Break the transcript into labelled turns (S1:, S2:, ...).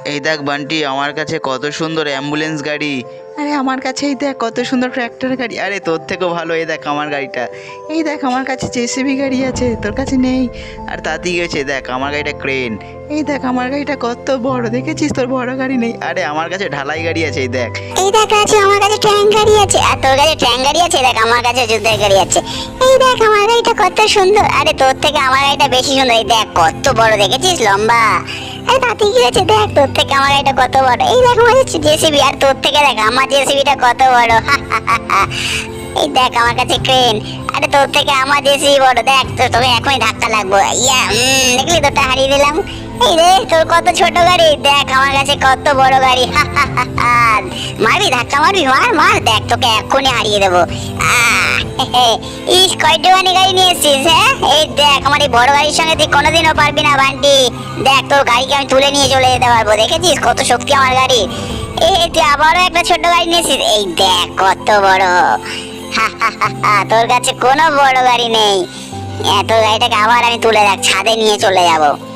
S1: এই দেখ বান্টি, আমার কাছে কত সুন্দর অ্যাম্বুলেন্স গাড়ি। আরে আমার কাছে এই দেখ কত সুন্দর ট্র্যাক্টর গাড়ি। আরে তোর থেকেও ভালো এই দেখ আমার গাড়িটা। এই দেখ আমার কাছে জেসিবি গাড়ি আছে, তোর কাছে নেই। আর তাতেই গেছে, দেখ আমার গাড়িটা ক্রেন। এই দেখ আমার গাড়িটা কত বড়, দেখেছিস? তোর বড় গাড়ি নেই। আরে আমার কাছে ঢালাই গাড়ি আছে, এই দেখ।
S2: এই দেখ আছে, আমার কাছে ট্যাঙ্ক গাড়ি আছে। আর তোর কাছে ট্যাঙ্ক গাড়ি আছে? দেখ আমার কাছে যুদ্ধের গাড়ি আছে। এই দেখ আমার গাড়িটা কত সুন্দর। আরে তোর থেকে আমার গাড়িটা বেশি সুন্দর। এই দেখ কত বড়, দেখেছিস? লম্বা। আরে তাতে কি হয়েছে, দেখ তোর থেকে আমার গাড়িটা কত বড়। এই দেখ আমার জেসিবি, আর তোর থেকে দেখ আমার জেসিবিটা কত বড়। এই দেখ আমার কাছে ক্রেন। আরে তোর থেকে আমার জেসিবি বড়। দেখ তোকে এখনই ধাক্কা লাগবো। ইয়া দেখলি তোরটা হারিয়ে দিলাম। এই রে তোর কত ছোট গাড়ি, দেখ আমার কাছে কত বড় গাড়ি। মারবি, ধাক্কা মারবি? মার মার, দেখ তোকে এক্ষুনি হারিয়ে দেবো। ইস কয়টুখানি গাড়ি নিয়ে এসছিস? হ্যাঁ এই দেখ আমার এই বড় গাড়ির সঙ্গে তুই কোনোদিনও পারবি না বান্টি। দেখ তোর গাড়িকে আমি তুলে নিয়ে চলে যেতে পারবো। দেখেছিস কত শক্তি আমার গাড়ি? এই তুই আবারও একটা ছোট গাড়ি নিয়েছিস। এই দেখ কত বড়। তোর কাছে কোনো বড় গাড়ি নেই। তোর গাড়িটাকে আবার আমি তুলে দেখ ছাদে নিয়ে চলে যাবো।